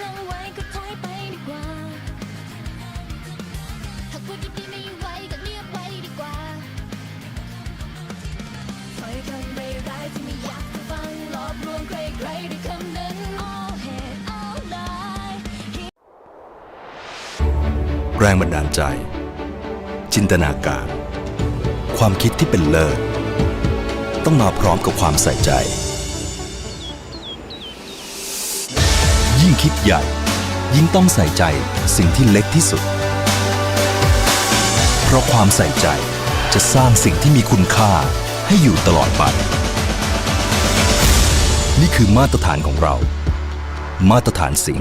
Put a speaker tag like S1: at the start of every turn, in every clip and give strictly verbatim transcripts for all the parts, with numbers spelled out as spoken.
S1: ลังไว้ก็ถอยไปดีกว่าหากพูดดีๆไม่ไหวก็เงียบไว้ดีกว่าถอยคำไม่ร้ายที่ไม่อยากจะฟังหลอกลวงใครๆด้วยคำนั้น all hate all lie
S2: แรงบันดาลใจ จินตนาการ ความคิดที่เป็นเลิศต้องมาพร้อมกับความใส่ใจ ยิ่งคิดใหญ่ยิ่งต้องใส่ใจสิ่งที่เล็กที่สุด เพราะความใส่ใจจะสร้างสิ่งที่มีคุณค่าให้อยู่ตลอดไป นี่คือมาตรฐานของเรา มาตรฐานสิ่ง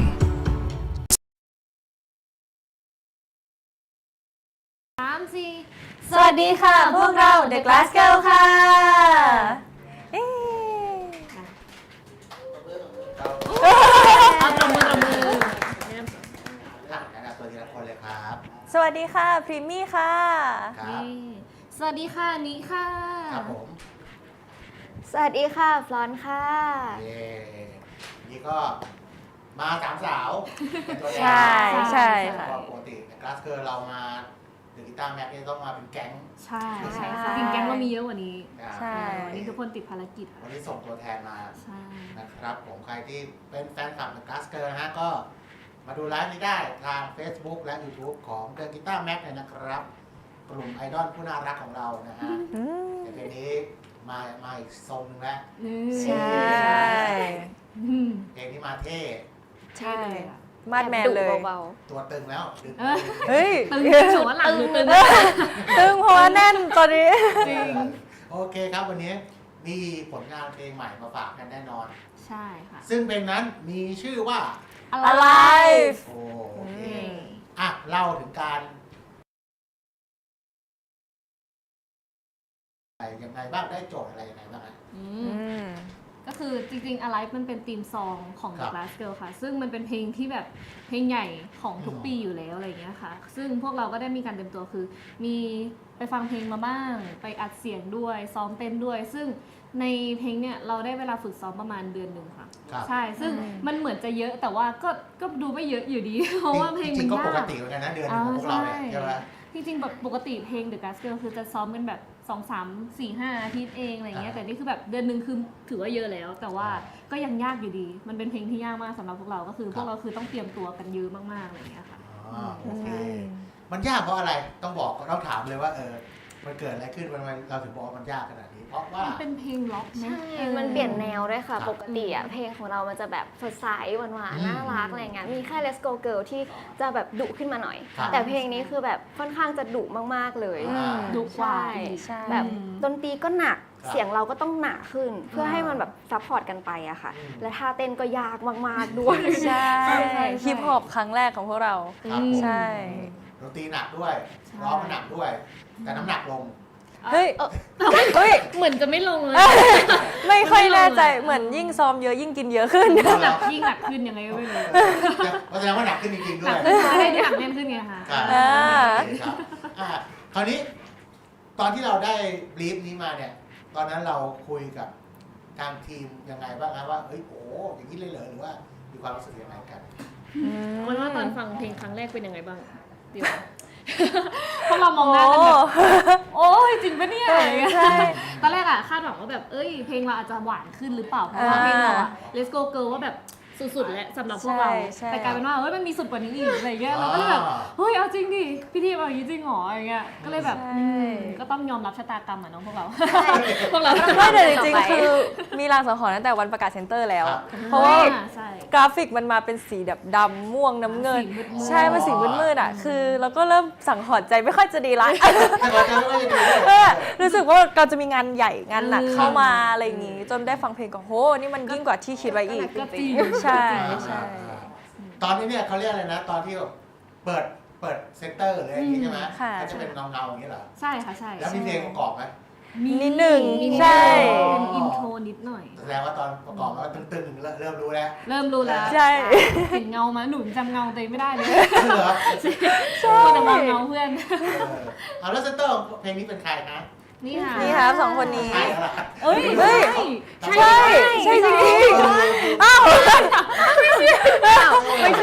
S3: สามสี่สวัสดีค่ะพวกเรา The Glass Girl ค่ะเอ๊ะเอาตบมือตบมือ
S4: แนะนำตัวทีละคนเลยครับ
S3: สวัสดีค่ะพรีมมี่ค่ะ
S4: ครับ
S3: สวัสดีค่ะนิค่ะ
S4: ครับผม
S5: สวัสดีค่ะฟลอนค่ะ
S4: เย่นี่ก็มาสามสาวเป็นตัวแทน
S3: ใช่ใช่ค่ะ
S4: ปกติในคลาสเกิร์ลเรามาเดอะกีตาร์แม็กนี่ต้องมาเป็นแก๊ง
S6: ใช่
S3: ใช่
S6: จริงๆแก๊งเรามีเยอะกว่านี้
S4: อ่า
S3: ใช่
S6: วันนี้ทุกคนติดภารกิจ
S4: วันนี้ส่งตัวแทนมา
S6: ใช่
S4: นะครับผมใครที่เป็นแฟนคลับเดอะคลาสเกิร์ลนะฮะก็มาดูไลฟ์นี้ได้ทาง Facebook และ YouTube ของเดอะกีตาร์แม็กเลยนะครับ กลุ่มไอดอลผู้น่ารักของเรานะฮะแต่เพลงนี้มามาอีกทรงหนึงแล้ว
S3: ใช่
S6: อืม
S4: เพลงนี้มาเท่
S3: ใช่มาดแมนเลย
S5: เบา
S4: ตัวตึงแล้วดึง
S6: เออ
S3: เฮ้ย
S6: ตึงโฉว่าหลังหนูตึง
S3: ตึงเพราะว่าแน่นตอนนี้
S6: จริง
S4: โอเคครับวันนี้มีผลงานเพลงใหม่มาฝากกันแน่นอน
S6: ใช่ค่ะ
S4: ซึ่งเพลงนั้นมีชื่อว่า
S3: Alive
S4: โอเคอ่ะเล่าถึงการอะไรยังไงบ้างได้โจทย์อะไรยังไงบ้างฮะ
S6: อื
S3: อื
S6: ม
S3: ม
S6: ก็คือจริงๆ Alive มันเป็นธีมซองของ
S4: ครั
S6: The
S4: บ
S6: Glass Girl ค่ะ ซึ่งมันเป็นเพลงที่แบบเพลงใหญ่ของทุก
S4: อืม
S6: ปีอยู่แล้วอะไรอย่างเงี้ยค่ะ ซึ่งพวกเราก็ได้มีการเตรียมตัวคือ มีไปฟังเพลงมาบ้าง ไปอัดเสียงด้วย ซ้อมเต้นด้วย ซึ่งในเพลงเนี่ยเราได้เวลาฝึกซ้อมประมาณเดือนหนึ่งค่ะ
S4: ครับ
S6: ใช่ ซึ่ง
S3: อืม
S6: มันเหมือนจะเยอะแต่ว่าก็ก็ดูไม่เยอะอยู่ดี เพราะว่าเพลง
S4: จ
S6: มั
S4: ริ
S6: น
S4: งๆก็
S6: ยา
S4: ปก
S6: ก
S4: ติเหมือนกันนะเดือนหนึงของพวกเราเนี่ยใช่ไหม
S6: จริงๆแบบปกติเพลง The Glass Girl คือจะซ้อมกันแบบสอง สาม สี่ ห้าอาทิตย์เองอะไรเงี้ย
S4: อ่า
S6: แต่นี่คือแบบเดือนหนึ่งคือถือว่าเยอะแล้ว แต่ว่า
S4: อ่า
S6: ก็ยังยากอยู่ดี มันเป็นเพลงที่ยากมากสำหรับพวกเรา ก็คือ
S4: ครับ
S6: พวกเราคือต้องเตรียมตัวกันเยอะมากๆอะไรเงี้ยค่ะ
S4: อ๋อโอเค มันยากเพราะอะไรต้องบอกต้องถามเลยว่าเออมันเกิดอะไรขึ้นมันเราถึงบอกว่ามันยากขนาดนี้เพราะว่า
S6: มันเป็นเพลงล็อก
S5: ๆ
S6: นะ
S5: ใช่
S6: ออ
S5: มันเปลี่ยนแนวด้วยค่ะ
S4: ครับ
S5: ปกติอะเพลงของเรามันจะแบบสดใสหวาน
S4: อืม
S5: ๆน่ารักอะไรเงี้ย มีแค่ Let's Go Girl ที่จะแบบดุขึ้นมาหน่อย
S4: ครับ
S5: แต่เพลงนี้คือแบบค่อนข้างจะดุมากๆเลย
S4: อ่า
S6: ดุกว่า
S5: ใช่
S6: อีก
S3: ใช่
S5: แบบ
S6: อืม
S5: ดนตรีก็หนัก
S4: ครับ
S5: เสียงเราก็ต้องหนาขึ้น เพื่อให้
S4: อ่ามั
S5: มันแบบซัพพอร์ตกันไปอะค่ะ
S4: อืม
S5: และท่าเต้นก็ยากมากๆด้วย
S3: ใช่
S6: ใช่ใช่
S3: ฮิปฮอปครั้งแรกของพวกเรา
S4: ครับผม
S3: ใช่
S4: ดนตรีหนักด้วยร้องก็หนักด้วย แต่น้ำหนักลง
S3: เฮ้ย เฮ้ย
S6: เหมือนจะไม่ลงเลย
S3: ไม่ค่อยแน่ใจ เหมือนยิ่งซ้อมเยอะยิ่งกินเยอะขึ้น
S6: หนักยิ่งหนักขึ้นยังไงก็ไม่รู้
S4: เพราะแสดงว่าหนักขึ้นจริงๆด้
S6: ห
S4: ว
S6: นั
S4: ย
S6: กขึ้นใช่หนักแน่นขึ้นไงคะ
S4: ครับ
S3: อ่า
S4: โอเคครับอ่าคราวนี้ ตอนที่เราได้บลีฟนี้มาเนี่ย ตอนนั้นเราคุยกับทางทีมยังไงบ้างครับว่าเฮ้ยโอ้อย่างนี้เลยเหรอหรือว่ามีความรู้สึกยังไงกัน
S6: มันว่าตอนฟังเพลงครั้งแรกเป็นยังไงบ้างเดี๋ยว พวกเรามองหน้ากันแบบ โอ้ยจริงปะเนี่ยอะไรอย่างเงี้ย
S3: ใช่
S6: ตอนแรกอะคาดหวังว่าแบบเอ้ยเพลงเราอาจจะหวานขึ้นหรือเปล่าเพราะว่า
S3: อ่า
S6: เพลงเราอะ Let's Go Girl ว่าแบบสุดๆแล้วสำหรับพวกเรา
S3: ใช่ใช่
S6: แต่กลายเป็นว่าเฮ้ยมันมีสุดกว่านี้อีกอะไรเงี้ยเราก็เลยแบบเฮ้ยเอาจริงดิพี่ทีมเอาอย่างนี้จริงเหรออะไรเงี้ยก็เลยแบบ
S3: ใช่
S6: อืมก็ต้องยอมรับชะตากรรมอะเน้องพวกเรา พวกเรา
S3: ไม่แต่จริงๆ คือมีรางสังหรณ์ตั้งแต่วันประกาศเซ็นเตอร์แล้ว
S4: ครับ
S3: เพราะว่า
S6: ใช่
S3: กราฟิกมันมาเป็นสีแบบดำม่วงน้ำเงิน
S6: สีมืดๆ
S3: ใช่มันสีมืดๆอ่ะ คือเราก็เริ่มสังหรณ์ใจไม่ค่อยจะดีละ
S4: แต่เราจะไม่ค่อยดีด้วย
S3: เออรู้สึกว่าเราจะมีงานใหญ่งานหนัก
S6: อืม
S3: เข้ามาอะไรอย่างงี้ จนได้ฟังเพลงก็โหนี่มันยิ่งกว่าที่คิดไว้อีก
S6: ก็จริง
S3: ใช่ ใช่
S4: ตอนนี้เนี่ยเขาเรียกอะไรนะ ตอนที่แบบเปิดเปิดเซนเตอร์หรืออะไรอย่างงี้ใช่ไหม
S3: ค่ะ
S4: ก็จะเป็นเงาเงาๆอย่างนี้เหรอ
S6: ใช่ค่ะใช่
S4: แล้วมีเพลงประกอบไหม
S3: นิดหนึ่ง
S6: มี
S3: ใช่
S6: เป็นอินโทรนิดหน่อย
S4: แสดงว่าตอนประกอบแล้วตึงๆเริ่มเริ่มรู้แล้ว
S6: เริ่มรู้แล้ว
S3: ใช่
S6: เห็นเงามาหนูจำเงาตัวเองไม่ได้เลย
S4: เหรอ
S6: ใช่แต่มองเงาเพื่อน
S4: เออเอาแล้วเซนเตอร์เพลงนี้เป็นใครนะ
S6: นี่ค่ะ
S3: นี่ครับสองคนนี้
S4: ใช่แล้วล่ะ
S6: เอ้ย
S3: เฮ้ย
S6: ใช่
S3: ใช่ ใช่จริงๆอ้าว
S5: ไม่ใช่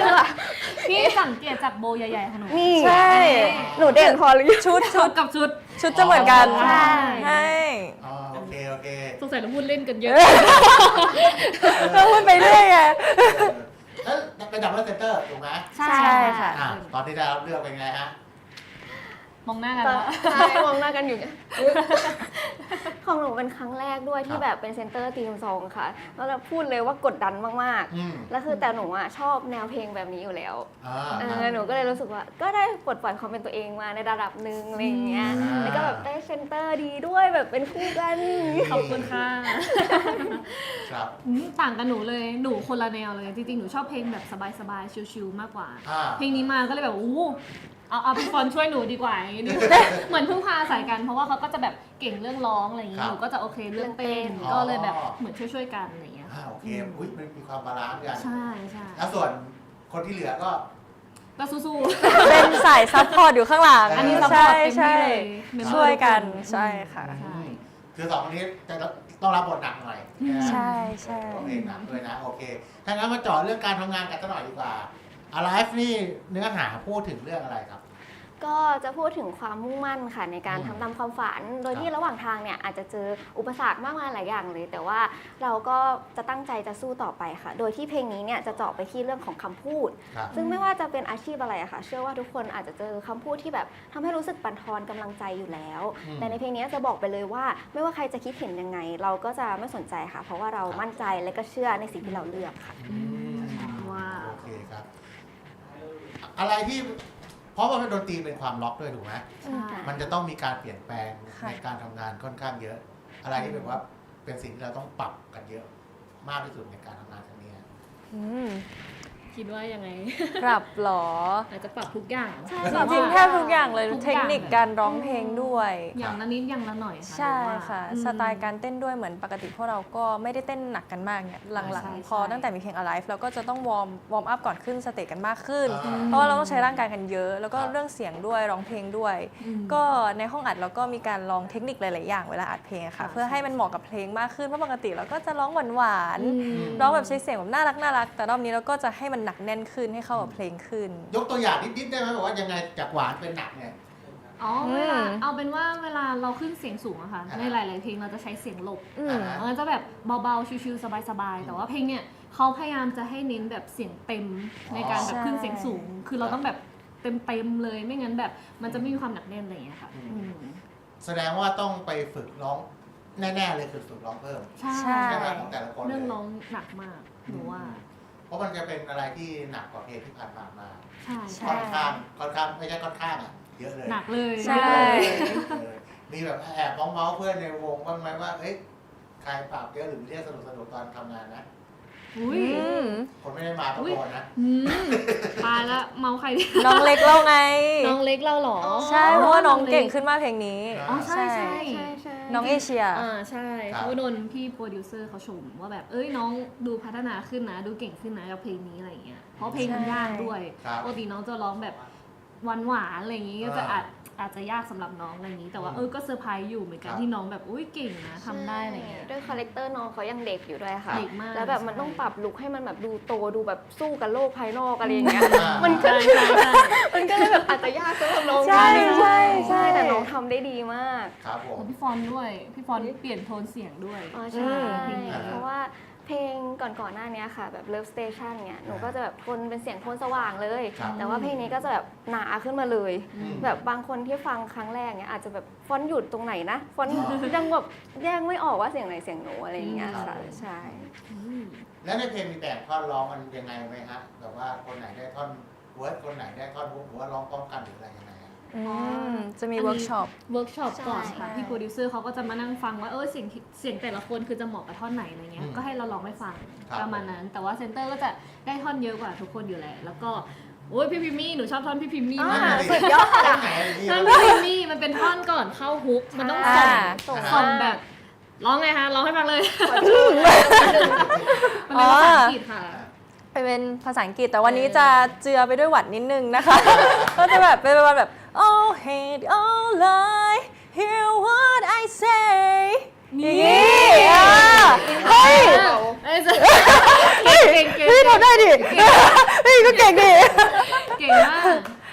S6: โบใหญ่ๆของหนู
S5: นี่
S3: ใช่
S5: หนูเด่นพอหรือยัง
S3: ชุด
S6: ชุ
S3: ชุ
S6: ด
S3: ด
S6: กับชุด
S3: ชุดจะเหมือนกัน
S6: ใช่
S3: ใช่
S4: อ๋อโอเคโอเค
S6: สงสัยเราพูดเล่นกันเยอะ
S3: เราพูดไปเรื่อยไง
S4: เออเอ้ยเป็นดับเบิลเซนเตอร์ถูกไหม
S3: ใช่ค่ะ
S4: อ่ะตอนที่ได้รับเลือกเป็นไงฮะ
S6: มองหน้ากัน
S5: ตอน
S6: แล้ว
S5: ใช่มองหน้ากันอยู่เนี่ยของหนูเป็นครั้งแรกด้วยที่แบบเป็นเซนเตอร์ทีมซองค่ะแล้วเราพูดเลยว่ากดดันมาก
S4: อืม
S5: ๆแล้วคือแต่หนูอ่ะชอบแนวเพลงแบบนี้อยู่แล้ว
S4: อ่า
S5: เออหนูก็เลยรู้สึกว่าก็ได้ปลดปล่อยความเป็นตัวเองมาในระดับหนึ่งอะไรอย่างเงี้ย
S4: อ่า
S5: แล้วก็แบบได้เซนเตอร์ดีด้วยแบบเป็นคู่กัน
S6: ขอบคุณค่ะ
S4: ครับ
S6: อืมต่างกันหนูเลย หนูคนละแนวเลย จริงๆ หนูชอบเพลงแบบสบายๆ ชิลๆ มากกว่า
S4: อ่า
S6: เพลงนี้มาก็เลยแบบอู้เอาเอาพี่ฟอนช่วยหนูดีกว่าอย่างนี้ดี เหมือนเพิ่งพาใส่กัน เพราะว่าเขาก็จะแบบเก่งเรื่องร้องอะไรอย่างนี้
S4: ครับ
S6: หนูก็จะโอเคเรื่องเต้น
S4: อ๋อ
S6: ก็เลยแบบเหมือนช่วยๆ กันอะไรอย่างเงี้ย
S4: อ่าโอเคอุ้ยมันมีความบาลานซ์กัน
S6: ใช่ใช่
S4: แล้วส่วนคนที่เหลือก็
S6: ก็สู้
S3: เป็นสายซัพพอร์ตอยู่ข้างหลัง
S6: ๆ อันนี้ซัพพอ
S3: ใช่
S6: ร์ตเต็ม
S3: ใช่
S6: ที่เลยเมมเบอร์
S3: ช่วยกัน
S6: ทุค
S3: ใช่ค่ะ
S6: ใช่
S4: คือสองคนนี้จะต้องรับบทหนักหน่อยนะ
S3: ใช่ใช่
S4: โอเคหนักด้วยนะ โอเค ถ้างั้นมาเจาะเรื่องการทำงานกันสักหน่อยดีกว่า Alive นี่เนื้อหาพูดถึงเรื่องอะไรครับ
S5: ก็จะพูดถึงความมุ่งมั่นค่ะในการ
S4: อืม
S5: ทำตามความฝัน โดยที่ระหว่างทางเนี่ยอาจจะเจออุปสรรคมากมายหลายอย่างเลย แต่ว่าเราก็จะตั้งใจจะสู้ต่อไปค่ะ โดยที่เพลงนี้เนี่ยจะเจาะไปที่เรื่องของคำพูด
S4: ครับ
S5: ซึ่งไม่ว่าจะเป็นอาชีพอะไรอะค่ะ เชื่อว่าทุกคนอาจจะเจอคำพูดที่แบบทำให้รู้สึกบั่นทอนกำลังใจอยู่แล้ว
S4: อืม
S5: แต่ในเพลงนี้จะบอกไปเลยว่า ไม่ว่าใครจะคิดเห็นยังไง เราก็จะไม่สนใจค่ะ เพราะว่าเรามั่นใจและก็เชื่อในสิ่งที่เราเลือกค่ะ
S4: อืม
S6: ว้าว
S4: โอเคครับ อะไรที่เพราะว่าดนตรีเป็นความล็อกด้วยถูกไหม
S6: ใช่
S4: มันจะต้องมีการเปลี่ยนแปลง
S3: ค่ะ
S4: ในการทำงานค่อนข้างเยอะ อะไรที่แบบว่าเป็นสิ่งที่เราต้องปรับกันเยอะ มากที่สุดในการทำงานครั้งนี้
S3: อืม
S6: คิดว่ายังไง
S3: ปรับเหรอ
S6: อาจจะปรับทุกอย่าง
S5: ใช่
S3: จริงๆแทบทุกอย่างเลย
S6: ทุกอย่าง
S3: เทคนิคการร้องเพลงด้วย
S6: อย่างละนิดอย่างละหน่อยค่ะ
S3: ใช่
S6: หนูว่า
S3: ค่ะ
S6: อืม
S3: สไตล์การเต้นด้วยเหมือนปกติพวกเราก็ไม่ได้เต้นหนักกันมากเนี่ยหลัง
S6: ใช่
S3: ๆ พอ
S6: ใช่
S3: ตั้งแต่มีเพลง Alive เราก็จะต้องวอร์มวอร์มอัพก่อนขึ้นสเตจกันมากขึ้น
S4: อ่า
S3: เพราะว่าเราต้องใช้ร่างกายกันเยอะ แล้วก็
S4: ครับ
S3: เรื่องเสียงด้วยร้องเพลงด้วย
S6: อืม
S3: ก็ในห้องอัดเราก็มีการลองเทคนิคหลาย ๆ อย่างเวลาอัดเพลงอะค่ะ
S6: ค่ะ
S3: เพื่อให้มันเหมาะกับเพลงมากขึ้นเพราะปกติเราก็จะร้องหวาน
S6: อืม
S3: ๆร้องแบบใช้เสียงแบบน่ารักน่ารักแต่รอบนี้เราก็จะให้มันหนักแน่นขึ้นให้เข้ากับเพลงขึ้น
S4: ยกตัวอย่างนิดๆได้ไหมบอกว่ายังไงจากหวานเป็นหนักเนี่ย
S6: อ๋อ
S3: อืม
S6: เวลาเอาเป็นว่าเวลาเราขึ้นเสียงสูงอะค่ะ
S4: อ่า
S6: ในหลาย ๆ เพลงเราจะใช้เสียงหลบ
S3: อืม
S4: อ่า
S6: มันจะแบบเบา ๆ ชิว ๆ สบาย ๆ แต่ว่าเพลงเนี่ยเขาพยายามจะให้เน้นแบบเสียงเต็มในการแบบขึ้นเสียงสูง คือเราต้องแบบเต็ม ๆ เลยไม่งั้นแบบมันจะไม่มีความหนักแน่นอะไรอย่างเงี้ยค่ะอืม
S4: แสดงว่าต้องไปฝึกร้องแน่ๆเลยคือฝึกร้องเพิ่ม
S6: ใช่
S3: ใช่
S4: ใช่ไหมของแต่ละคนเลย
S6: เรื่องร้องหนักมากหนูว่า
S4: เพราะมันจะเป็นอะไรที่หนักกว่าเพลงที่ผ่านๆมา
S6: ใช่
S3: ใช่
S4: ค่อนข้างค่อนข้างไม่ใช่ค่อนข้างอ่ะเยอะเลย
S6: หนักเลย
S3: ใช่
S4: เออมีแบบแอบมองเมาส์เพื่อนในวงบ้างไหมว่าเอ้ยใครปรับเยอะหรือเรียกสนุกสนุกๆตอนทำงานนะ
S6: อุ้ย
S3: อืม
S4: คนไม่ได้มาประกอนนะ
S6: อืมตายละเมาใครดิ
S3: น้องเล็กเล่าไง
S6: น้องเล็กเราเหรอ
S3: ใช่เพราะว่าน้องเก่งขึ้นมากเพลงนี้
S6: อ๋อใช่ใช่
S5: ใช่ใช่
S3: น้องเอเชีย
S6: อ่าใช่
S4: ครับ
S6: เพราะว่าโดนพี่โปรดิวเซอร์เขาชมว่าแบบเอ้ยน้องดูพัฒนาขึ้นนะ ดูเก่งขึ้นนะกับเพลงนี้อะไรอย่างเงี้ยเพราะเพลงมันยากด้วย
S4: ครับ
S6: ปกติน้องจะร้องแบบหวานหวานๆอะไรอย่างงี้ก็จะ
S4: อ่า
S6: อาจอาจจะยากสำหรับน้องอะไรอย่างงี้ แต่ว่า
S4: อืม
S6: เออก็เซอร์ไพรส์อยู่เหมือนกัน
S4: ครับ
S6: ที่น้องแบบอุ้ยเก่งนะทำได้อะไรเงี้ย
S5: ด้วยคาแรคเตอร์น้องเขายังเด็กอยู่ด้วยค่ะ
S6: เด็กมาก
S5: แล้วแบบมัน
S6: ใช่
S5: ต้องปรับลุคให้มันแบบดูโตดูแบบสู้กับโลกภายนอกอะไรอย่างเงี้ย
S4: อ่า
S5: มันก็
S6: ใช่ใช่ใช่
S5: มันก็เลยแบบอาจจะยากสำหรับน้อง
S3: ใช่
S5: นิดนึง
S3: ใช่ใช่
S5: ใช่แต่น้องทำได้ดีมาก
S4: ครับผม
S6: แล้วพี่ฟอนด้วย พี่ฟอนเปลี่ยนโทนเสียงด้วย
S5: อ๋อใช่
S6: เพลงนี้
S5: เพราะว่าเพลงก่อนๆหน้านี้ค่ะแบบ Love Station เนี่ยหนูก็จะแบบโทนเป็นเสียงโทนสว่างเลย
S4: ครับ
S5: แต่ว่าเพลงนี้ก็จะแบบหนาขึ้นมาเลย
S6: อืม
S5: แบบบางคนที่ฟังครั้งแรกเนี่ยอาจจะแบบฟอนต์หยุดตรงไหนนะฟอนต์ยังแบบแยกไม่ออกว่าเสียงไหนเสียงหนูอะไรอย่างเงี้ยค่ะใช่
S6: อืม
S4: แล้วในเพลงมีแบ่งท่อนร้องมันยังไงไหมฮะแบบว่าคนไหนได้ท่อนเวิร์ดคนไหนได้ท่อนฮุกหรือว่าร้องพร้อมกันหรืออะไรยังไงอะ
S3: อืมจะมีเวิร์กช็อป
S6: เวิร์กช็อปก่อน
S5: ใช่
S6: ค่ะพี่โปรดิวเซอร์เขาก็จะมานั่งฟังว่าเออเสียงเสียงแต่ละคนคือจะเหมาะกับท่อนไหนอะไรเงี้ย
S4: อืม
S6: ก็ให้เราลองไปฟัง
S4: ครับ
S6: ประมาณนั้น แต่ว่าเซนเตอร์ก็จะได้ท่อนเยอะกว่าทุกคนอยู่แหละแล้วก็โอ้ยพี่พิมมี่หนูชอบท่อนพี่พิมมี่
S5: อ่า
S6: มาก
S5: สุดยอด
S4: ท่อ
S5: อะ
S4: นไหนอะไรอย่างเงี้ย
S6: ท่อนพี่พิมมี่มันเป็นท่อนก่อนเข้าฮุกมันต้องส่ง
S3: อ่า
S5: ส่ง
S6: ส่ง
S5: มา
S6: แบบร้องไงคะร้องให้ฟังเลย
S5: ขอชื่อหนึ่ง
S6: มันเป็นภาษาอังกฤษค่ะ
S3: ไปเป็นภาษาอังกฤษแต่วันนี้จะเจือไปด้วยหวัดนิดนึงนะคะ ก็จะแบบเป็นประมาณแบบ oh hate all lie hear what I say
S6: นี่
S3: อย่างงี้อ่ะเฮ้ย
S6: เอ้ยเก่งเก่งเก่ง
S3: พี่ทำได้ดิ พี่ก็เก่งดิ
S6: เก่งมาก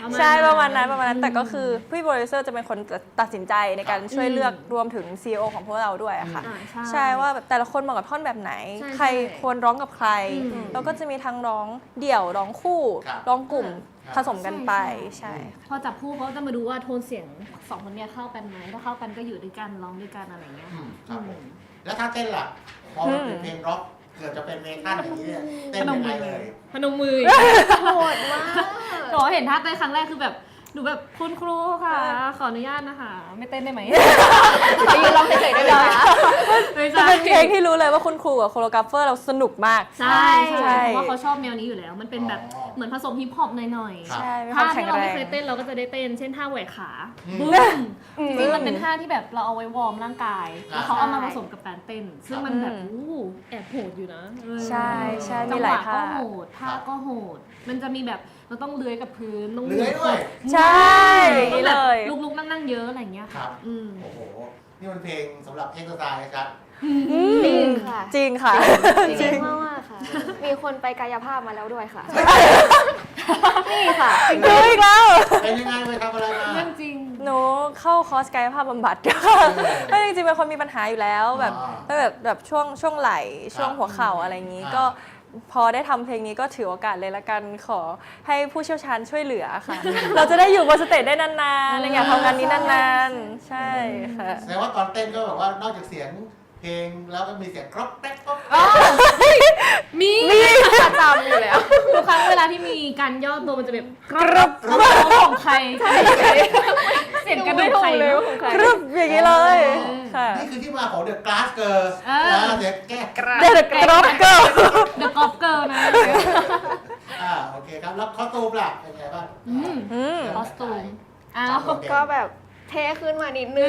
S6: ประมาณ
S3: ใช่
S6: นั้น
S3: ประมาณนั้นประมาณนั้นแต่ก็คือ
S6: ม
S3: พี่โปรดิวเซอร์จะเป็นคนตัดสินใจในการช่วยเลือกรวมถึง ซี อี โอ ของพวกเราด้วยอะค่ะ
S6: อ่าใช่
S3: ใช่ว่าแบบแต่ละคนเหมาะกับท่อนแบบไหน
S6: ใช่
S3: ใคร
S6: ใช่
S3: ควรร้องกับใคร
S6: อืม
S3: แล้วก็จะมีทั้งร้องเดี่ยวร้องคู่
S4: ครับ
S3: ร้องกลุ่ม
S4: ครับ
S3: ผสมกันไป
S6: ใช่
S3: ใช่
S6: พอจับคู่เขาจะมาดูว่าโทนเสียงสองคนเนี้ยเข้ากันไหมถ้าเข้ากันก็อยู่ด้วยกันร้องด้วยกันอะไรอย่างเงี้ย
S4: อื
S6: ค่ะ
S4: มครับผมแล้วถ้าเต้นล่ะพอมันเป็นเพลงร็อกเกิดจะเป็นเมทัลอย่างนี้เนี่ยเต้นยังไงเลย
S6: พนมมือ
S5: โหดมาก
S6: หนูเห็นท่าเต้นครั้งแรกคือแบบหนูแบบคุณครูค่ะ ขออนุญาตนะคะ ไม่เต้นได้ไหม
S5: ไปยืนร้องเฉยๆได้ไหมคะ
S6: ไม่
S3: จะ
S6: ใช่
S3: เป็นเพลงที่รู้เลยว่าคุณครูกับโคโรกราฟเฟอร์เราสนุกมาก
S6: ใช่
S3: ใช่
S6: ใช่เพราะว่าเขาชอบแนวนี้อยู่แล้ว มันเป็นแบบ
S4: อ๋อ
S6: เหมือนผสมฮิปฮอปหน่อย
S4: ครับ
S3: ใช่มี
S6: ๆ
S3: ควา
S6: ท่าม
S3: แข็
S6: ที่
S3: ง
S6: เรา
S3: แร
S6: ไม่
S3: ง
S6: เคยเต้นเราก็จะได้เต้น เช่นท่าแหวกขา
S4: อืม
S6: บึ้มจริงๆมันเป็นท่าที่แบบเราเอาไว้วอร์มร่างกาย แล้วเขาเอามาผสมกับการเต้น ซึ่งมันแบบ
S3: อืม
S6: อู้แอบโหดอยู่นะเออ
S3: ใช่ใช่
S6: จั
S3: มี
S6: ง
S3: ห
S6: ห
S3: ลายว
S6: ะ
S3: ท่า
S6: ก็โหดท่าก็โหด มันจะมีแบบเราต้องเลื้อยกับพื้นต้อง
S4: เลื้อยด้วย
S3: ใช่อย่าง
S6: ต้อ
S3: นี้
S6: งแบ
S3: เล
S6: บ
S3: ย
S6: ลุกๆนั่งๆเยอะอะไรอย่างเงี้ย
S4: ครั
S6: ค่ะ
S4: บ
S6: อืม
S4: โอ้โห นี่มันเพลงสำหรับเอ็กซ์ไซส์นะครับ
S5: จริงค่ะ
S3: จริงค่ะ
S5: จริงมากๆค่ะ มีคนไปกายภาพมาแล้วด้วยค่ะ นี่ค่ะ
S3: ดูอีกแล้ว
S4: เป็นยังไงไปทำอะไรมา
S6: เรื่องจริง
S3: หนูเข้าคอร์สกายภาพบำบัดก็จริงๆเป็นคนมีปัญหาอยู่แล้วแบบ
S4: อ่า
S3: แบบแบบช่วงช่วงไหล่ช่วง
S4: ครับ
S3: หัวเข่าอะไรอย่างนี้
S4: อ่า
S3: ก็พอได้ทำเพลงนี้ก็ถือโอกาสเลยละกันขอให้ผู้เชี่ยวชาญช่วยเหลือค่ะ เราจะได้อยู่บนสเตจได้นานๆอะไรอย่างทำงานนี้นานๆ ใช่ค่ะ
S4: แสดงว่าตอนเต้นก็แบบว่านอกจากเสียงเพลงแล้วก็มีเสียงกรอบแป๊กกรอบ
S6: มี
S5: ประจำอยู่แล้ว
S6: ทุกครั้งเวลาที่มีการย่อตัวมันจะแบบกรอบกรอบของใครเสียงกระดูกใคร
S5: ไม่ถูกเลยของใคร
S3: กรึบอย่างนี้เลยค่ะ
S4: นี่คือที่มาของ The Glass Girl
S6: เออ
S4: นะเสียงแก้กระ
S3: เด็กกรอบเกิล
S6: เดอะกอล์ฟเกิร์ลนะ
S4: อ่าโอเคครับ แล้วคอสตูมล่ะเป็นไงบ้าง
S6: อืม
S3: อืม
S6: คอสตูมอ้า
S4: คว รับ
S5: ก็แบบเท่ขึ้นมานิดนึ
S6: เอง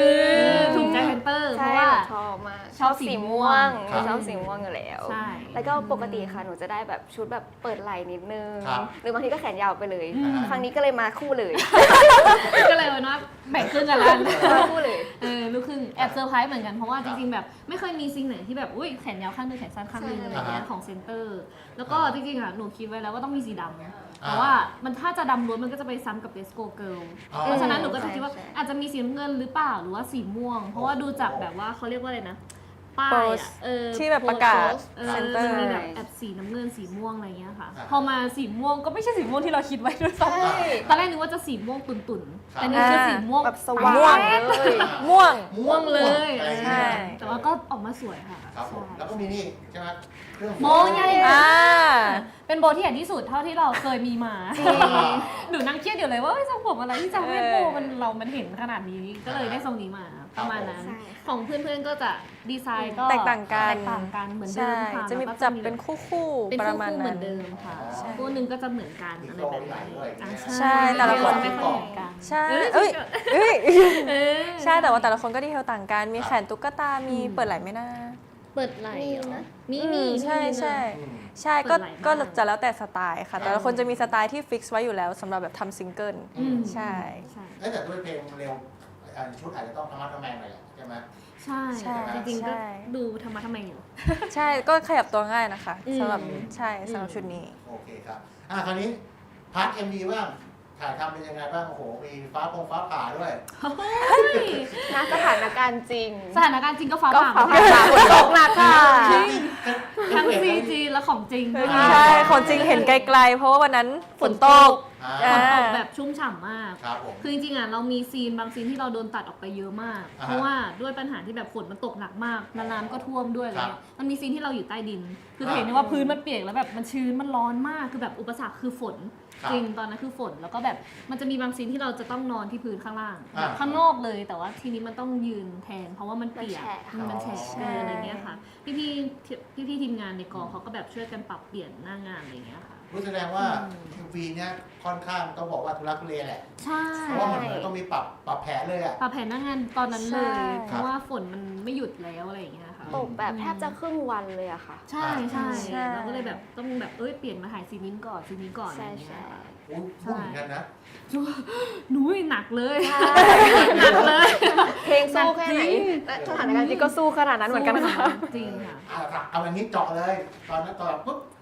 S6: อถูกใจแพนเตอร์เพ
S5: ใช่
S6: ราะว่า
S5: ชอบมาก
S6: ชอบสีม่วง
S4: ครับ
S5: ชอบสีม่วงอยู่แล้ว
S6: ใช่
S5: แล้วก็ปกติค่ะหนูจะได้แบบชุดแบบเปิดไหล่นิดนึง
S4: ครับ
S5: หรือบางทีก็แขนยาวไปเลย
S6: อืม
S5: ครั้งนี้ก็เลยมาคู่เลย
S6: ก็เลยว่าแบ่งครึ่งกันแล้ว
S5: มาคู่เลย
S6: เออลูกครึ่งแอบเซอร์ไพรส์เหมือนกันเพราะว่าจริงๆแบบไม่เคยมีซีนไหนที่แบบอุ้ยแขนยาวข้างนึงแขนสั้นข้างนึง
S5: ใช่
S6: อะไรเงี้ย
S4: อ่าฮะ
S6: ของเซนเตอร์ แล้วก็จริงๆอ่ะหนูคิดไว้แล้วว่าต้องมีสีดำแต่
S4: อ่า
S6: ว่ามันถ้าจะดำล้วนมันก็จะไปซ้ำกับ Let's Go Girl
S4: อ๋อ
S6: เพราะฉะนั้นหนูก็จะคิดว่า
S5: ใช่ใช่
S6: อาจจะมีสีน้ำเงินหรือเปล่าหรือว่าสีม่วง เพราะว่าดูจากแบบว่าเขาเรียกว่าอะไรนะป้าย
S3: Post
S6: อะเออ
S3: ที่แบบประกาศ
S6: เออ
S3: Center
S6: มันมีแบบแอบสีน้ำเงินสีม่วงอะไรเงี้ยค่ะ
S4: อ่า
S6: พอมาสีม่วงก็ไม่ใช่สีม่วงที่เราคิดไว้ด้วยซ้
S5: ใช่
S6: ำตอนแรกนึกว่าจะสีม่วงตุ่น
S4: ครับ
S6: ๆแต่นี่คือสีม่วง
S5: แบบสว่าง
S3: ม่วง
S5: เลย
S3: ม่วง
S6: ม่วงเลย
S4: อะไรอย่าง
S3: ใช่
S4: เงี้ย
S6: แต่ว่าก็ออกมาสวยค่ะ
S4: ครับผม
S6: ใช่
S4: แล้วก็มีนี่ใช่ไหมเครื่อง
S6: โบใหญ่
S3: อ่า
S6: เป็นโบที่ใหญ่ที่สุดเท่าที่เราเคยมีมา หนูนั่งเครียดอยู่เลยว่าเอ้ยทรงผมอะไรที่จะให้โบมันเรามันเห็นขนาดนี้ก็เลยได้ทรงนี้มาประมาณนั้น
S5: ใช่
S6: ของเพื่อนๆก็จะดีไซน์ก็
S3: แตกต่างกัน
S6: แตกต่างกันเหมือนเดิ
S3: ใช่
S6: มค่ะ
S3: จะมี
S6: แล้วก็
S3: จับเป็นคู่คู่
S6: เป็น
S3: ประมาณ
S6: คู่ๆเหมื
S3: นั้
S6: อน นเดิมค่ะ
S4: ใช่
S6: คู่หนึ่งก็จะเหมือนกันอะไรแบบนี้อ่ะ
S3: ใช่แต่ละคน
S6: ไม่ค่อยเหมือนกัน
S3: ใช่
S6: เอ้ย
S3: เอ้ยเอ้ย
S6: เออ
S3: ใช่แต่ว่าแต่ละคนก็ดีเทลต่างกัน มี
S4: ครับ
S3: แขนตุ๊กตา มี
S6: อืม
S3: เปิดไหล่ไม่น่า
S6: เปิดไหล่เหรอ
S5: มีนะ
S6: มี
S3: อื
S6: มี
S3: ใช่
S6: มี
S3: ใช่
S4: อืม
S3: ใช่ก็
S6: เปิดไหล่
S3: ก็
S6: บ้าง
S3: จะแล้วแต่สไตล์ค่ะ แต่ละคนจะมีสไตล์ที่ฟิกซ์ไว้อยู่แล้วสำหรับแบบทำซิงเกิล
S6: อืม
S3: ใช่
S6: ใช่
S4: เอ้ยแต่ด้วยเพลงเร็วอ่าชุดอาจจะต้องทำมัดทำแมงหน่อยแหละใช่ไหม
S6: ใช่
S3: ใช่
S6: จริงๆก็
S3: ใช่
S6: ดูธรรมะทำไมอยู่
S3: ใช่ก็ขยับตัวง่ายนะคะ
S6: อืม
S3: สำหรับใช่สำหรับ
S6: อืม
S3: ชุดนี้
S4: โอเคครับอ่าคราวนี้พาร์ทเอ็มวีบ้างถ่ายทำเป็นยังไงบ้างโอ้โหมีฟ้าปงฟ้าผ่าด้วย
S5: ณสถานการณ์จริง
S6: สถานการณ์จริงก็ฟ้า
S5: ก็
S6: ผ่า
S5: ฟ้าผ่าฝนตกหนักค่ะ
S6: ทั้งซีจีและของจริงด้วย
S3: ใช่ของจริงเห็นไกลๆ เพราะว่าวันนั้นฝนตก
S4: อ่า
S6: ฝนตกแบบชุ่มฉ่ำมาก
S4: ครับผม
S6: คือจริงๆอ่ะเรามีซีนบางซีนที่เราโดนตัดออกไปเยอะมาก
S4: อ่าฮะ
S6: เพราะว่าด้วยปัญหาที่แบบฝนมันตกหนักมากน้ำก็ท่วมด้วยอะไร
S4: ครับ
S6: เงี้ยมันมีซีนที่เราอยู่ใต้ดิน คือ
S4: อ่า
S6: เห็นได้ว่าพื้นมันเปียกแล้วแบบมันชื้นมันร้อนมากคือแบบอุปสรรคคือฝน
S4: ครับ
S6: จริงตอนนั้นคือฝนแล้วก็แบบมันจะมีบางซีนที่เราจะต้องนอนที่พื้นข้างล่าง
S4: อ่า
S6: แบบข้างนอกเลยแต่ว่าทีนี้มันต้องยืนแทน เพราะว่ามันเปียก
S5: มันแฉะ
S6: อืมมันแฉะ
S3: ใช่
S6: เอออะไรเงี้ยค่ะพี่พี่พี่พี่ๆทีมงานในกองเขาก็แบบช่วยกันปรับเปลี่ยนหน้างานอะไรเงี้ยค่ะ
S4: รู้แสดงว่า
S6: อืม
S4: เอ็มวีเนี้ยค่อนข้างต้องบอกว่าทุลักทุเลแหละ
S6: ใช่
S4: เพราะว่ามันเหมือนต้องมีปรับปรับแผนเลยอ่ะ
S6: ปรับแผนหน้างานตอนนั้นเลย
S3: ใช่
S6: เพราะว่าฝนมันไม่หยุดแล้วอะไรอย่างเงี้ยค่ะ
S5: ตกแบบแทบจะครึ่งวันเลยอะค่ะ
S6: ใช่ใช่
S3: ใช่
S6: เราก็เลยแบบต้องแบบเอ้ยเปลี่ยนมาถ่ายซีนนี้ก่อนซีนนี้ก่อนอะไร
S5: ใช่
S6: อย่างเงี้
S5: ใช่
S6: ยค่ะ
S4: อุ้ยพูดเหมือนกันนะ
S6: หนูหนักเลย
S5: ใช่
S6: หนักเลย
S5: เพลงสู้แค่ไหน
S6: จริง
S5: และสถานการณ์จริงก็สู้ขนาดนั้นเหมือนกันค่ะ
S6: จริงค่ะ
S4: อ่าเอาอย่างนี้เจาะเลย ตอนนั้นตอนปุ๊บ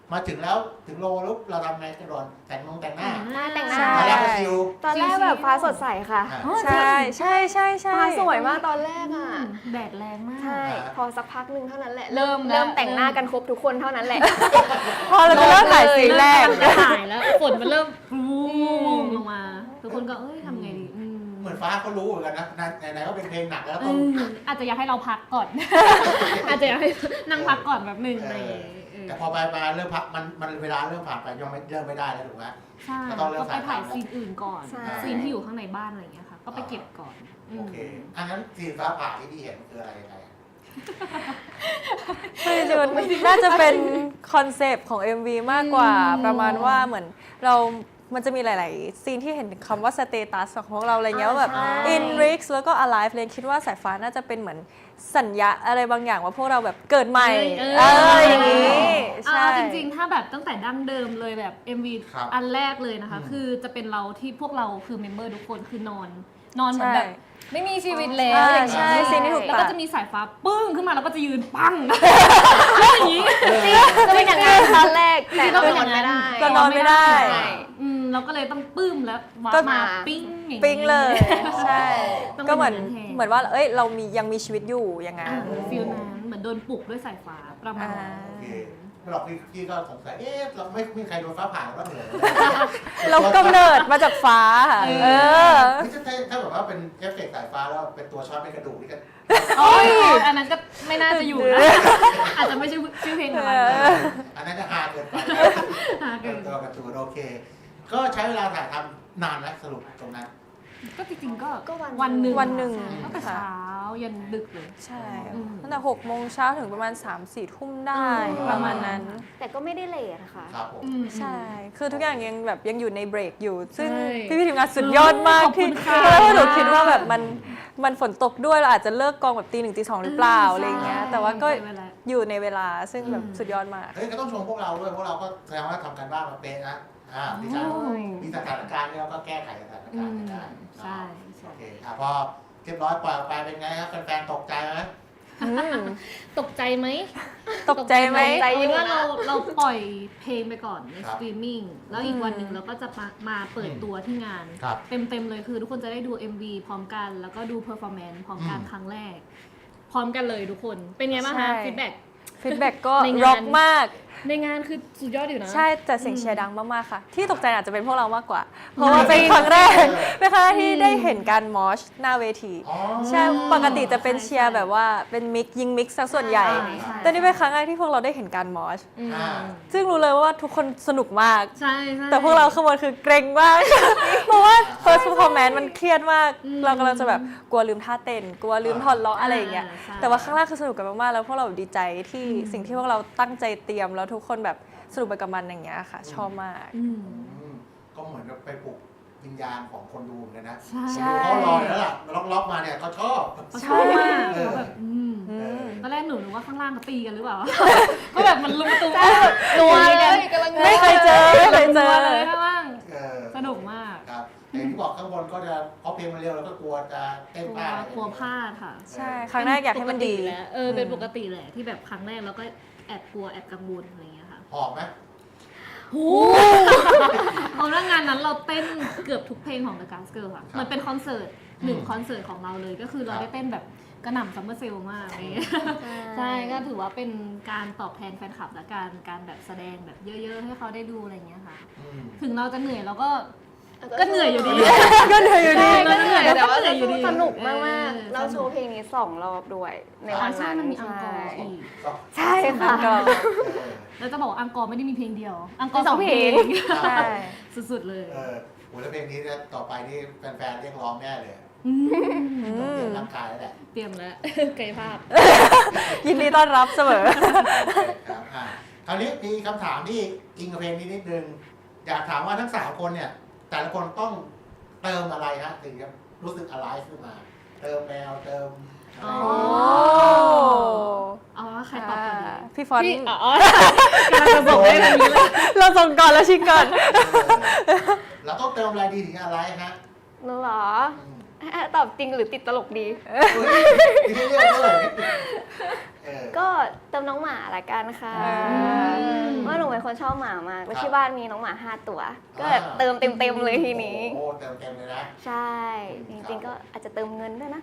S4: มาถึงแล้วถึงโลแล้วเราทำไงกระโดดแต่งนงแต่งหน้า
S5: หน้าแต่งหน้า
S3: ใช่
S4: ตอนแรกก็ชิว
S5: ตอนแรกแบบฟ้าสดใสค่ะ
S4: อ่ะ
S3: ใช่ใช่ใช่ใช่
S5: ฟ้าสวยมากตอนแรกอ่ะ
S6: แดดแรงมาก
S5: ใช่
S4: อ่า
S5: พอสักพักหนึ่งเท่านั้นแหละ
S6: เริ่มแล้ว
S5: เริ่มแต่งหน้ากันครบทุกคนเท่านั้นแหละ
S3: พอเราจะเริ่มถ่ายซีนแรก
S6: เริ่มจะถ่ายแล้วฝนมันเริ่มรูลงมา ทุกคนก็เอ้ยทำไงดีอืม
S4: เหมือนฟ้าเขารู้เหมือนกันนะไหนๆก็เป็นเพลงหนักแล้ว
S6: เอ
S4: ต้อง
S6: ออาจจะอยากให้เราพักก่อน อาจจะอยากให้นั่งพักก่อนแบบหนึ่งอะไรอย่างเงี้ยเออ
S4: แต่พอไปมาเริ่มพักมันมันเวลาเริ่มผ่านไปยังไม่เริ่มไม่ได้แล้วถูกไหม
S6: ใช่
S4: ก็ต้องเริ่ม
S6: ก็ไปถ่าย
S4: ถ่ายทำ
S6: ซีนอื่นก่อน
S5: ใช่
S6: ซีนที่อยู่ข้างในบ้านอะไรอย่างเงี้ยค่ะ ก็ไปเก็บก่อนม
S4: โอเคอันนั้นสีฟ้าผ่าที่พี่เห็นคืออะไรยังไงอะ
S3: คือจริงๆมันน่าจะเป็นคอนเซปต์ของ เอ็ม วี มากกว่า
S6: อืม
S3: ประมาณว่าเหมือนเรา มันจะมีหลาย ๆ ซีนที่เห็นคำว่าสเตตัสของพวกเราอะไรเงี้ยว่าแบบ
S5: ใช่
S3: in risk แล้วก็ alive เลยคิดว่าสายฟ้าน่าจะเป็นเหมือนสัญญาอะไรบางอย่างว่าพวกเราแบบเกิดใหม่
S6: เอ
S3: เอ
S6: อ
S3: ออย่างนี้
S6: อ่า
S3: ใช่
S6: จริงๆ ถ้าแบบตั้งแต่ดั้งเดิมเลยแบบ เอ็ม วี
S4: ครับ
S6: อันแรกเลยนะคะ
S4: อืม
S6: คือจะเป็นเราที่พวกเราคือเมมเบอร์ทุกคนคือนอน นอนเหมือน
S3: ใช่
S6: แบบไม่มีชีวิตแล้ว
S3: อ่า
S6: อย่างเงี้ย
S3: ใช่ซีนที่ถูก
S6: แล้ว
S3: ตั
S6: ก็
S3: ด
S6: จะมีสายฟ้าปึ้งขึ้นมาแล้วก็จะยืนปังแล้วอย่างนี้
S5: จะเป็นอย่างนั้นตอนแรกแต่เรา
S6: จริงๆ
S5: นอนไม่ได้
S3: ก็นอนไม่ได้
S5: ใช่
S6: อืมเราก็เลยต้องปึ้มแล้ววา
S3: ก็
S6: ร์ปมาปิ้งอย่างนี้
S3: ปิ๊งเลย ใช่
S6: ต้อง
S3: ก็เหมือน
S6: เป็นอย่างนั้นแทน
S3: เหมือนว่าเอ้ยเรามียังมีชีวิตอยู่อย่างงั้น
S6: ฟิลนั้นเหมือนโดนปลุกด้วยสายฟ้าประมาณนั้น
S3: อ่า
S4: โอเคไม่หรอกพี่พี่ก็สงสัยเอ๊ะเราไม่มีใครโดนฟ้าผ่าแล้วเหรอ
S3: เรากำเนิดมาจากฟ้าค่ะเออ
S4: ไม่ใช่ถ้าถ้าแบบว่าเป็นเอฟเฟกต์สายฟ้าแล้วเป็นตัวช็อตเป็นกระดูกนี่ก็
S6: โอ้ยอันนั้นก็ไม่น่าจะอยู่นะอาจจะไม่ใช่ชื่อเพลงของมัน
S4: อันนั้นจะฮาเกินไป
S6: หาเกิน
S4: ตัวการ์ตูนโอเค ก็ใช้เวลาถ่ายทำนานไหมสรุปตรงนั้น
S6: ก็จริงๆก็
S5: ก็วัน
S6: วันหนึ่ง
S3: วันหนึ่ง
S6: ตั้งแต่เช้ายันดึกเลย
S3: ใช่
S6: อืม
S3: ตั้งแต่หกโมงเช้าถึงประมาณสามสี่ทุ่มได้
S6: อืม
S3: ประมาณนั้น
S5: แต่ก็ไม่ได้เลทค่ะ
S4: ครับผม
S6: อืม
S3: ใช่ คือทุกอย่างยังแบบยังอยู่ในเบรกอยู่ ซึ่ง
S6: ใช่
S3: พี่พี่ๆทีมงานสุดยอดมาก
S6: ขอบคุ
S3: ที่
S6: ณค่ะ
S3: เพราะว่าหนูคิดว่าแบบมันมันฝนตกด้วยเราอาจจะเลิกกองแบบตีหนึ่งตีสองหรือเปล่าอะไรอย่างเงี้ย แต่ว่าก็
S6: ใช่เวลา
S3: อยู่ในเวลาซึ่งแบบ
S6: อืม
S3: สุดยอดมาก
S4: เฮ้ยก็ต้องชมพวกเราด้วยพวกเราก็แสดงว่าทำกันบ้านมาเป็นนะอ่ามีการ
S6: โอ้ย
S4: มีสถานการณ์ที่เราก็แก้ไขสถาน
S6: อื
S4: การณ์
S6: ม
S4: ได้
S6: ใช่ใช่
S4: โอเคอ่ะพอเรียบร้อยปล่อยออกไปเป็นไงครับแฟนๆตกใจไหม
S3: อืม
S6: ตกใจไหม
S3: ตกใจไหม
S5: ตกใจ
S6: เอาเป็นว่าเราเราปล่อยเพลงไปก่อนใน
S4: ครั
S6: ส
S4: บ
S6: ตรีมมิ่งแล้วอีกวันหนึ่งเราก็จะมามาเปิดตัวที่งาน
S4: ครับ
S6: เต็มๆเลยคือทุกคนจะได้ดู เอ็ม วี พร้อมกัน แล้วก็ดูเพอร์ฟอร์แมนซ์พร้อมกัน
S4: อืม
S6: ครั้งแรก พร้อมกันเลยทุกคนเป็นไงบ้าง
S3: ใช่
S6: คะฟีดแบ็ก
S3: ฟีดแบ็กก็
S6: ในงาน
S3: ร็อกมาก
S6: ในงานคือสุดยอดอยู่นะ
S3: ใช่แต่เสียงเชียร์ดังมากๆค่ะ ที่ตกใจอาจจะเป็นพวกเรามากกว่า เพราะว่าเป็นครั้งแรกเป็นครั้งแรกที่ได้เห็นการมอชหน้าเวที
S4: อ๋อ
S3: ใช่ปกติจะเป็น
S6: ใช่
S3: เชียร์แบบว่าเป็นมิกยิงมิกซะส่วนใหญ่
S6: ใช่ใช่
S3: แต่นี่เป็นครั้งแรกที่พวกเราได้เห็นการมอช
S6: อืม
S4: อ่า
S3: ซึ่งรู้เลยว่าทุกคนสนุกมาก
S6: ใช่ใช่
S3: แต่พวกเราขบวนคือเกรงมาก เพราะว่า first performance มันเครียดมาก
S6: อืม
S3: เรากำลังจะแบบกลัวลืมท่าเต้น กลัวลืมถอดล้ออะไรอย่างเงี้ย
S6: อ่าใช่
S3: แต่ว่าข้างล่างคือสนุกกันมากๆ แล้วพวกเราดีใจที่
S6: อืม
S3: สิ่งที่พวกเราตั้งใจเตรียมแล้วทุกคนแบบสนุกไปกับมันอย่างเงี้ยค่ะ ชอบมาก
S6: อืม
S4: อืมก็เหมือนกับไปปลุกวิญญาณของคนดูเหมือนกันนะ
S6: ใช่
S3: ใช่
S4: คนดูเขารออยู่แล้วล่ะล็อกๆมาเนี่ยเขาชอบ
S6: เขาชอบมาก
S4: เออ
S6: เขาแบบอืม
S3: อืม
S6: ตอนแรกหนูนึกว่าข้างล่างเขาตีกันหรือเปล่า ก็แบบมันลุมตุ้ม
S5: นัวเลยกำลัง
S3: ไม่เคยเจอไม่เคยเจอ
S6: เลยข้างล่าง
S4: เออ
S6: สนุกมาก
S4: ครับแต่ที่บอกข้างบนก็จะเพราะเพลงมันเร็วแล้วก็กลัวจะเต้น
S6: กลัว
S4: พลาดอะไร
S6: กลัวพลาดค่ะ
S3: ใช่ ครั้งแรกอยากให้มันดี
S6: ปกติแหละเออเป็นปกติแหละที่แบบครั้งแรกแล้วก็แอบกลัวแอบกังวลอะไรอย่างเงี้ยค่ะ
S4: หอบไหม
S6: โหเพราะว่างานนั้นเราเต้นเกือบทุกเพลงของ The Gas Girl ค่ะมันเป็นคอนเสิร์ตหนึ่งคอนเสิร์ตของเราเลยก็คือเราได้เต้นแบบกระหน่ำซัมเมอร์เซลมากอะไรอย่างเงี้ย ใช่ก็ถือว่าเป็นการตอบแทนแฟนคลับและการการแบบแสดงแบบเยอะๆ ให้เขาได้ดูอะไรอย่างเงี้ยค่ะ
S4: อืม
S6: ถึงเราจะเหนื่อยเราก็ ก็เหนื่อยอยู่ดี
S3: ก็เหนื่อยอยู่ดี
S5: ใช่ก็เหนื่อยแต่ว่า
S6: เหนื่อยอยู่ดี
S5: สนุกมาก
S6: เอ
S5: ๆ
S6: อ
S5: เราโชว์เพลงนี้สองรอบด้วยในวัน
S6: ใช่
S5: นั้น
S6: มันมีอังกอร์
S5: ใช่
S6: อีก
S4: ก็
S5: ใช่ค่ะ
S3: ก็
S4: เออ
S6: แล้วจะบอกว่าอังกอร์ไม่ได้มีเพลงเดียว อังกอร์
S5: มีสองเพลง
S3: ใช่
S6: สุดๆเลย
S4: เออโหแล้วเพลงนี้เนี่ยต่อไปนี่แฟนๆเรียกร้องแน่เลย
S6: อืม
S4: ต้องเตรียมร่างกายแล้วแหละ
S6: เตรียมแล้ว กายภาพ
S3: ยินดีต้อนรับเสมอ
S4: ครับอ่ะคราวนี้มีคำถามที่อิงกับเพลงนี้นิดนึงอยากถามว่าทั้งสามคนเนี่ย แต่ละคนต้องเติมอะไรฮะถึงจะรู้สึกอะไรขึ้นมา เติมแมวเติมอะไร
S6: อ๋อ
S3: โอ้
S6: เอาว่าใครตอบก่อนดี
S3: พี่ฟอนต์
S6: พี่อ๋อกำลังจะบอกได้แบบนี้เลย
S3: เราส่งก่อนแล้วชิงก่อน
S4: เออเราต้องเติมอะไรดีถึงอะไรฮะ
S5: หนูเหรอ
S4: อืม
S5: ใตอบจริงหรือติดตลกดี
S4: อุ๊ยมีให้เลือกด้วยเออ
S5: ก็เติมน้องหมาละกันค่ะ
S3: อ่า
S5: ว่าหนูเป็นคนชอบหมามากแล้ว
S4: ครับ
S5: ที่บ้านมีน้องหมาห้าตัว ก็แบบเติมเต็มๆเลยทีนี้
S4: โอ้โหเติมเต็มเลยนะ
S5: ใช่ จริงๆก็อาจจะเติมเงินด้วยนะ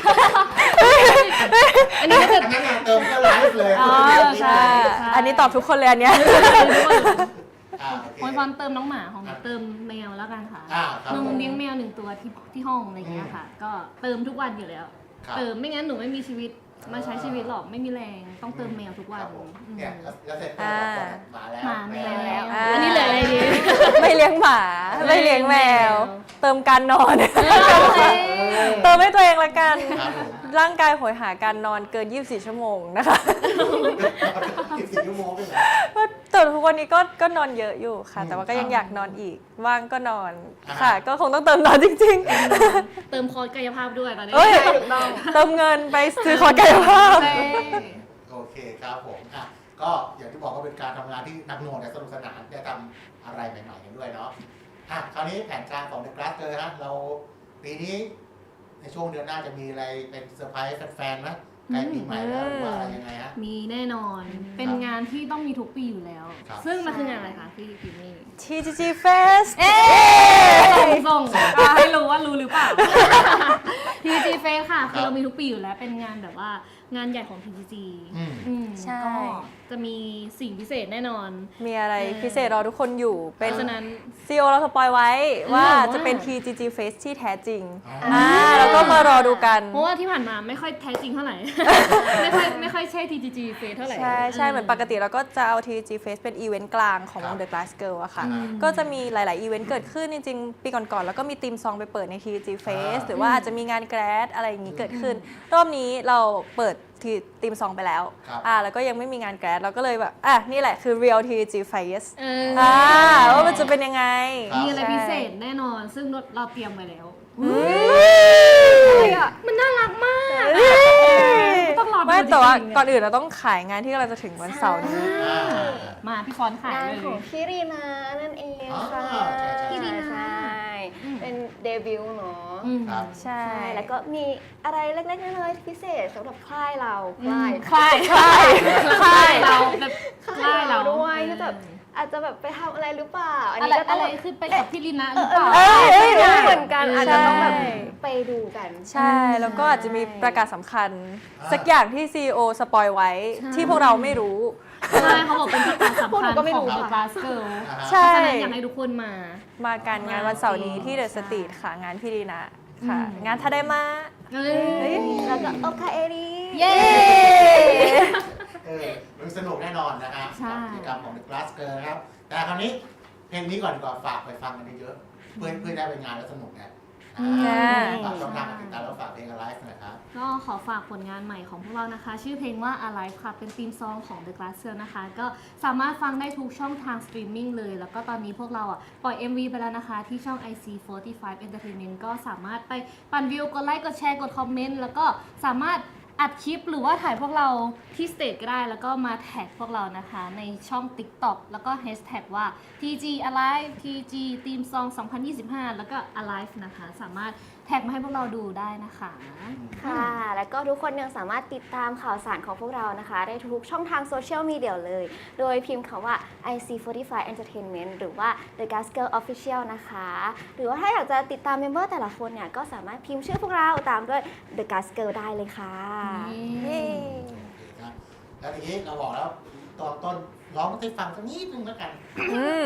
S6: อันนี้ก็จะ
S4: อันนั้นน่ะเติมก็ไลฟ์เลย
S6: อ๋อ
S3: ใช่ อันนี้ตอบทุกคนเลยอันเนี้ย
S4: อ่าโอเค
S6: โอยพรเติมน้องหมาของหนูเติมแมวแล้วกันค่ะ
S4: อ่าครับ
S6: หนู
S4: ผม
S6: เลี้ยงแมวหนึ่งตัวที่ที่ห้องอะไรอย่างเงี้ยค่ะ ก็เติมทุกวันอยู่แล้ว
S4: ครับ
S6: เติมไม่งั้นหนูไม่มีชีวิตมาใช้ชีวิตหรอกไม่มีแรงต้องเติมแมวทุกวั
S4: คน รับผม
S6: อืม
S4: เนี่ยแล้วแล้วเสร็จก็บอกว่าหมาแล้ว
S6: หมาแมว
S5: แล้ว
S3: อ่า
S6: อันนี้เหลืออะไรดี
S3: ไม่เลี้ยงหมา ไม่เลี้ยงแมว เติมการนอน เติมให้ตัวเองละกัน
S4: ครับผม
S3: ร่างกายโหยหาการนอนเกิน ยี่สิบสี่ ชั่วโมงนะคะ
S4: สิบสี่ชั่วโมงด้วยเหรอ
S3: แต่ทุกวันนี้ก็ก็นอนเยอะอยู่ค่ะ
S4: อืม
S3: แต่ว่าก็ยังอยากนอนอีก ว่างก็นอน
S4: อ่า
S3: ค่ะ ก็คงต้องเติมนอนจริง
S6: เติมคอร์สกายภาพด้วยตอนนี้
S3: ๆ เอ้ย เติมเงินไปซื้อคอร์สกายภาพ
S6: ใช่
S4: โอเคครับผมอ่ะก็อย่างที่บอกว่าเป็นการทำงานที่หนักหน่วงแต่สนุกสนานได้ทำอะไรใหม่ๆกันด้วยเนาะอ่ะคราวนี้แผนการของ The Glassger ฮะเราปีนี้ในช่วงเดือนหน้าจะมีอะไรเป็นเซอร์ไพรส์แฟนๆไหมใกล้ปีใหม่แล้วหรือว่าอะไรยังไงฮะ
S6: มีแน่นอน เป็นงานที่ต้องมีทุกปีอยู่แล้ว
S4: ครับ
S6: ซึ่งมันคืองานอะไรคะพี่ปีนี้
S3: ที จี จี Fest เอ๊
S6: ส่งส่งไม่รู้ว่ารู้หรือเปล่า ที จี จี Fest ค่ะ คือเรามีทุกปีอยู่แล้วเป็นงานแบบว่างานใหญ่ของ ที จี จี
S4: อืม
S6: อืม
S3: ใช่
S6: ก็จะมีสิ่งพิเศษแน่นอน
S3: มีอะไร
S6: เออ
S3: พิเศษรอทุกคนอยู่
S6: เพ
S3: เป็น
S6: ราะฉะนั้น
S3: ซี อี โอ เราสปอยไว้ว่า
S6: อืม
S3: จะเป็น ที จี จี Fest ที่แท้จริง
S4: อ๋ออ่
S3: อ่าแล้วก็มารอดูกัน
S6: เพราะว่าที่ผ่านมาไม่ค่อยแท้จริงเท่าไหร่ ไม่ค่อยไม่ค่อยใช่ ที จี จี Fest เท่าไหร่
S3: ใช่ใช่เหมือนปกติเราก็จะเอา ที จี Fest เป็นอีเวนต์กลางของวง The Glass Girl อะค่ะ
S4: อืม
S3: ก็จะมีหลาย ๆ อีเวนต์เกิดขึ้นจริง ๆ ปีก่อน ๆ แล้วก็มีทีมซองไปเปิดใน ที จี Fest หรือว่าอาจจะมีงานแกรดอะไรอย่างนี้เกิดขึ้น รอบนี้เราเปิดทีทีมซองไปแล้ว
S4: ครับ
S3: อ่าแล้วก็ยังไม่มีงานแกรดเราก็เลยแบบอ่ะนี่แหละคือ Real ที จี Fest
S6: เออ
S3: อ่าว่ามันจะเป็นยังไง
S4: ครับ
S6: มีอะไร
S3: ใช่
S6: พิเศษแน่นอน ซึ่งเราเตรียมไว้แล้ว
S3: อะไรอะ
S6: มันน่ารักมาก ต้องรอดู
S3: ไม่แต่ว่า
S6: จริงๆ
S3: ก่อนอื่นเราต้องขายงานที่กำลังจะถึงวันเสาร์นี้
S4: อ่า
S6: มาพี่ฟอนขาย
S5: งาน
S6: เลย
S5: ของพี่รีนานั่นเอง
S4: อ๋อ
S5: ค่ะ
S4: ใช่ใช่
S5: พี่รีนา
S6: อืม
S5: เป็นเดบิวต์เนาะ
S6: อืม
S4: ครับ
S3: ใช่
S5: ใช่ แล้วก็มีอะไรเล็กๆน้อยๆพิเศษสำหรับค่ายเราค่าย
S6: คลายคลายคลายเราแบบค
S5: ค่า
S6: ลาย ย
S5: เรา
S6: เรา
S5: ด้วยที่แบบอาจจะแบบไปทำอะไรหรือเปล่า อัน
S6: อะ
S5: นี้
S6: ไร
S5: ก็ต้อ
S6: อะ
S5: ง
S6: ไร
S5: แบบ
S6: คือไปกับพี่ลินะหรือเปล่า
S3: เอ้ยเอ้ยเอ้ย
S5: เหมือนกันอาจจะต้องแบบ
S3: ใช่
S5: ไปดูกัน
S3: ใช่ แล้วก็อาจจะมีประกาศสำคัญ
S4: อ่า
S3: สักอย่างที่ ซี อี โอ สปอยไว้
S6: ใช่
S3: ที่พวกเราไม่รู้
S6: ใช่เขาบอกเป็นประกาศสำ
S5: พวกห
S6: คั
S5: นู
S6: ญ
S5: ก็ไม่
S6: ข
S5: รู้
S6: อง The
S5: ค่ะ
S6: Glass Girl
S4: อ่าฮะ
S3: ใช่
S6: เพราะฉะนั้นอยากให้ทุกคนมา
S3: มากันงานวันเสาร์นี้ที่เดอะสตรีทค่ะ งานพี่ดีนะค่ะ งานทาไดมา
S6: เอ้ย
S5: แล้วก็โอคาเอรี
S6: เย้
S4: เออมันสนุกแน่นอนนะฮะ
S6: ใช่
S4: กับกิจกรรมของ The Glassger นะครับ แต่คราวนี้เพลงนี้ก่อนดีกว่าฝากไปฟังกันเยอะๆเพื่อเพื่อได้ไปงานแล้วสนุกนะอ่าฝากช่องทางการติดตามแล้วฝากเพลง Alive หน่อยครับ
S6: ก็ขอฝากผลงานใหม่ของพวกเรานะคะ ชื่อเพลงว่า Alive ค่ะ เป็นธีมซองของ The Glass Girl นะคะ ก็สามารถฟังได้ทุกช่องทางสตรีมมิ่งเลย แล้วก็ตอนนี้พวกเราอ่ะปล่อย เอ็ม วี ไปแล้วนะคะ ที่ช่อง ไอ ซี สี่สิบห้า Entertainment ก็สามารถไปปั่นวิว กดไลค์ กดแชร์ กดคอมเมนต์ แล้วก็สามารถอัดคลิปหรือว่าถ่ายพวกเราที่สเตจก็ได้ แล้วก็มาแท็กพวกเรานะคะ ในช่อง TikTok แล้วก็แฮชแท็กว่า ที จี Alive ที จี Team Song สองพันยี่สิบห้า แล้วก็ Alive นะคะ สามารถแท็กมาให้พวกเราดูได้นะคะ
S5: ค่ะ แล้วก็ทุกคนยังสามารถติดตามข่าวสารของพวกเรานะคะ ได้ทุกช่องทางโซเชียลมีเดียเลย โดยพิมพ์คำว่า ไอ ซี สี่สิบห้า Entertainment หรือว่า The Glass Girl Official นะคะ หรือว่าถ้าอยากจะติดตามเมมเบอร์แต่ละคนเนี่ย ก็สามารถพิมพ์ชื่อพวกเราตามด้วย The Glass Girl ได้เลยค่ะ
S3: เย้
S4: โอเคครับ แล้วทีนี้เราบอกแล้วตอนต้นร้องให้ฟังสักนิดนึงแล้วกัน
S3: อืม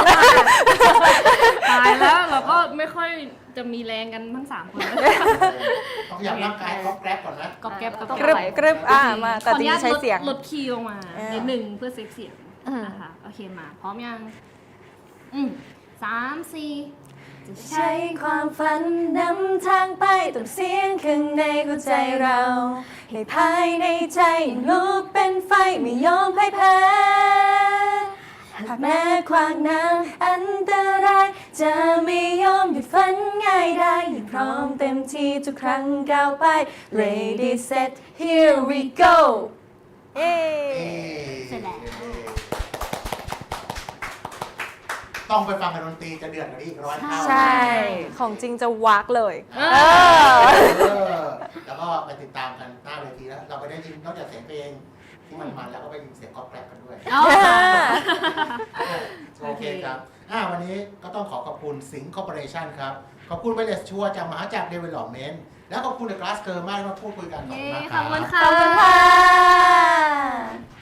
S6: ตายแล้วเราก็ไม่ค่อยจะมีแรงกันทั้งสามคน
S4: ต้องอยากร่างกายก๊อปแกร็บก่อนนะ
S6: กอบแก๊บกอบ
S5: ต้อง
S3: ก
S6: แก๊
S3: รึ
S6: บบ
S3: กรึบอ่ามาแต่
S6: ขออ
S3: จ
S6: นุ
S3: ริ
S6: ญาง ต
S3: ๆใช้
S6: ลด
S3: เสียง
S6: ลดคีย์ลงมา
S3: เออ
S6: นิดหนึ่งเพื่อเซฟเสียง
S3: อืม
S6: นะคะโอเคมา พร้อมยัง อืมสามสี่จะ
S3: ใช้ความฝันนำทางไปต้องเสียงข้างในหัวใจเรา ให้ภายในใจลุกเป็นไฟไม่ยอมพ่ายแพ้หากแม้ขวางน้ำอันตราย จะไม่ยอมหยุดฝันง่ายได้ยิ่งพร้อมเต็มที่ทุกครั้งก้าวไป Ready set here we go เอ้
S6: เสร็จแล้ว
S4: โต้องไปฟังกันดนตรีจะเดือดกว่านี้อีกร้อยเท่า
S3: ใช่ ของจริงจะวักเลย
S4: เอ
S3: เออ
S4: อแล้วก็ไปติดตามกันหน้าเวทีแล้วเราไปได้ยินนอกจากเสียงเพลงที่มันมันแล้วก็ไปยินเสียงก๊อปแกรบกันด้วย
S6: เอา
S4: โอเคครับอ่าวันนี้ก็ต้องขอขอบคุณสิงห์คอร์ปอเรชั่นครับ ขอบคุณไวเลสชัวจากมหาจักรเดเวลลอปเมนต์และขอบคุณเดอะกลาสเกอร์มากที่มาพูดคุยกันขอบ
S6: เย้
S4: คุณมากค
S6: ข
S4: รั
S6: อ
S4: บบ
S6: คุณค่ะ
S3: ขอบคุณค่ะ